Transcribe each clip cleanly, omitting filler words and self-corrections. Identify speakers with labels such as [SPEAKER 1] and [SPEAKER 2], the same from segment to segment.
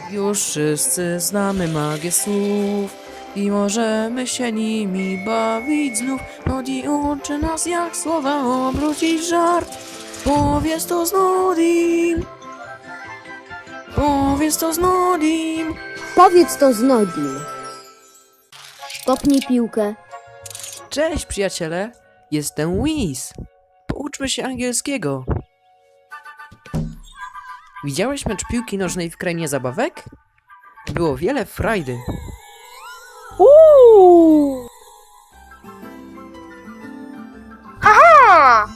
[SPEAKER 1] Już wszyscy znamy magię słów i możemy się nimi bawić znów. Nodi uczy nas, jak słowa obrócić w żart. Powiedz to z Nodim. Powiedz to z Nodim.
[SPEAKER 2] Powiedz to z Nodim. Kopnij piłkę.
[SPEAKER 1] Cześć przyjaciele, jestem Whis. Pouczmy się angielskiego. Widziałeś mecz piłki nożnej w krainie zabawek? Było wiele frajdy.
[SPEAKER 3] Haha!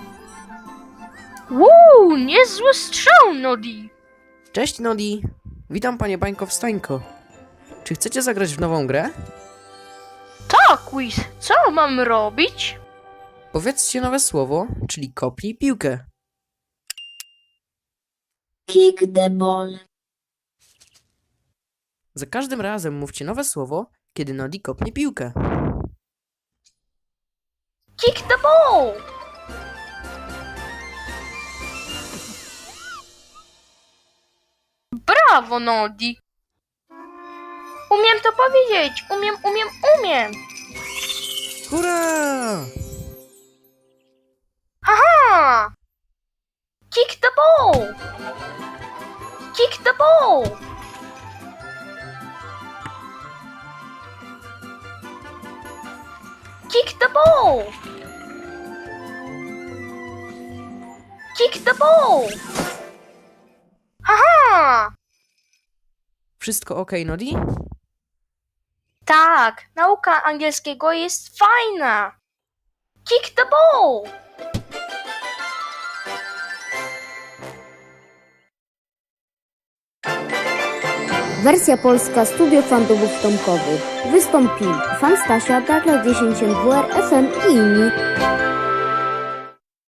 [SPEAKER 3] Niezły strzał, Nodi.
[SPEAKER 1] Cześć Nodi, witam panie Bańko Wstańko. Czy chcecie zagrać w nową grę?
[SPEAKER 3] Tak, Quiz, co mam robić?
[SPEAKER 1] Powiedzcie nowe słowo, czyli kopnij piłkę.
[SPEAKER 2] Kick the ball.
[SPEAKER 1] Za każdym razem mówcie nowe słowo, kiedy Nodi kopnie piłkę.
[SPEAKER 3] Kick the ball! Brawo, Nodi. Umiem to powiedzieć. Umiem.
[SPEAKER 1] Hurra!
[SPEAKER 3] Haha! Kick the ball! Kick the ball! Kick the ball! Kick the ball! Haha!
[SPEAKER 1] Wszystko ok, Nodi?
[SPEAKER 3] Tak, nauka angielskiego jest fajna. Kick the ball!
[SPEAKER 2] Wersja polska Studio Fantomów Tomkowych. Wystąpili Fan Stasia, Darla 10 WR, FM i inni.